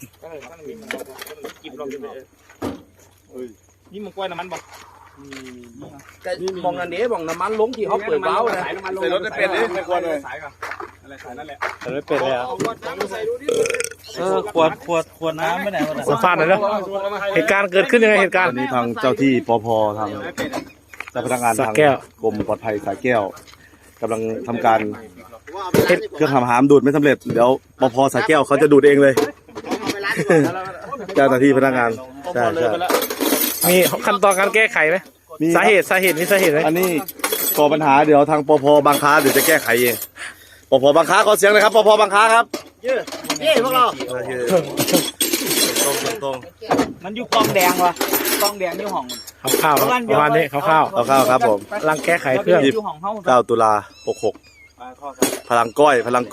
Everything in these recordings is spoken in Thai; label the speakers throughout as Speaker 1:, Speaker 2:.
Speaker 1: นี่มึงกล้วยน้ำมันบอก
Speaker 2: มองนั่นเด้มองน้ำมันลงที่เขาเปิดเบ้าเลย
Speaker 1: ใส่รถได้เป็นเลยไม่ควรเลยสายก่อนอะไรสายนั่นแหละ
Speaker 3: ใส่รถเป็นเลยอ่ะขวดน้ำไม่ไหนวะ
Speaker 4: สัมภาษณ์หน่อยนะเหตุการณ์เกิดขึ้นยังไงเหตุการณ์
Speaker 5: วันนี้ทางเจ้าที่ปภทางเจ้าพนักงานทางกรมปลอดภัยสายแก้วกำลังทำการเครื่องทำหามดูดไม่สำเร็จเดี๋ยวปภสายแก้วเขาจะดูดเองเลยเจ้าหน้าที่พนักงานใช่
Speaker 4: มีขั้นตอนการแก้ไขไหมสาเหตุมีสาเหตุไหม
Speaker 5: อันนี้ก่อปัญหาเดี๋ยวทางปภบางค้าเดี๋ยวจะแก้ไขเองปภบางค้าขอเสียงเลยครับปภบางค้าครับ
Speaker 2: เย้พวกเรา
Speaker 5: ตรง
Speaker 2: มันอยู่กองแดงวะกองแดงอยู่ห้อง
Speaker 4: ข้าวประมาณนี้ข้าว
Speaker 5: ครับผม
Speaker 4: กำลังแก้ไขเครื่อง
Speaker 5: 9 ตุลา66พลังก้อยพลัง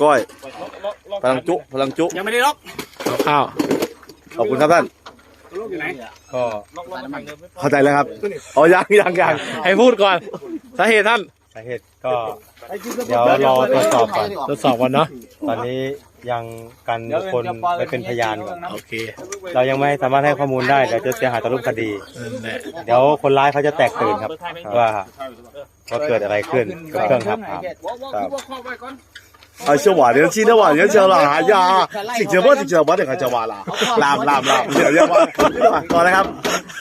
Speaker 5: จุ
Speaker 2: ยังไม่ได้ล็อก
Speaker 4: ข้าว
Speaker 5: ขอบคุณครับท่าน
Speaker 3: ก็
Speaker 5: เข้าใจแล้วครับอ๋อยัง
Speaker 4: ให้พูดก่อนสาเหตุท่าน
Speaker 3: สาเหตุก็เดี๋ยวรอตรวจสอบก่อน
Speaker 4: เนาะ
Speaker 3: ตอนนี้ยังกันบุคคลไปเป็นพยานก่อน
Speaker 4: โอเค
Speaker 3: เรายังไม่สามารถให้ข้อมูลได้เดี๋ยวจะเสียหายต่อรูปคดีเดี๋ยวคนร้ายเขาจะแตกตื่นครับว่าเกิดอะไรขึ้นกับเครื่องทับถาม
Speaker 5: 小瓦年轻的瓦年轻了哎呀听见我这个叫瓦了ลามเดี๋ยวต่อเลยครับ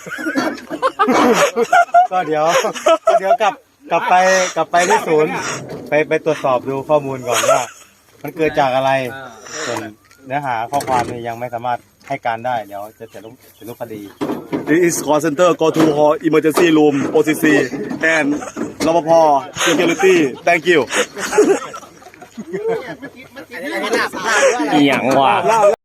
Speaker 3: ก็เดี๋ยวกลับไปที่ศูนย์ไปตรวจสอบดูข้อมูลก่อนว่ามันเกิดจากอะไรส่วนเนื้อหาข้อความนี่ยังไม่สามารถให้การได้เดี๋ยวจะเสียรูปคดี
Speaker 5: This is call center go to hall emergency room OCC and รปภ security thank you
Speaker 4: อย่างว่ะ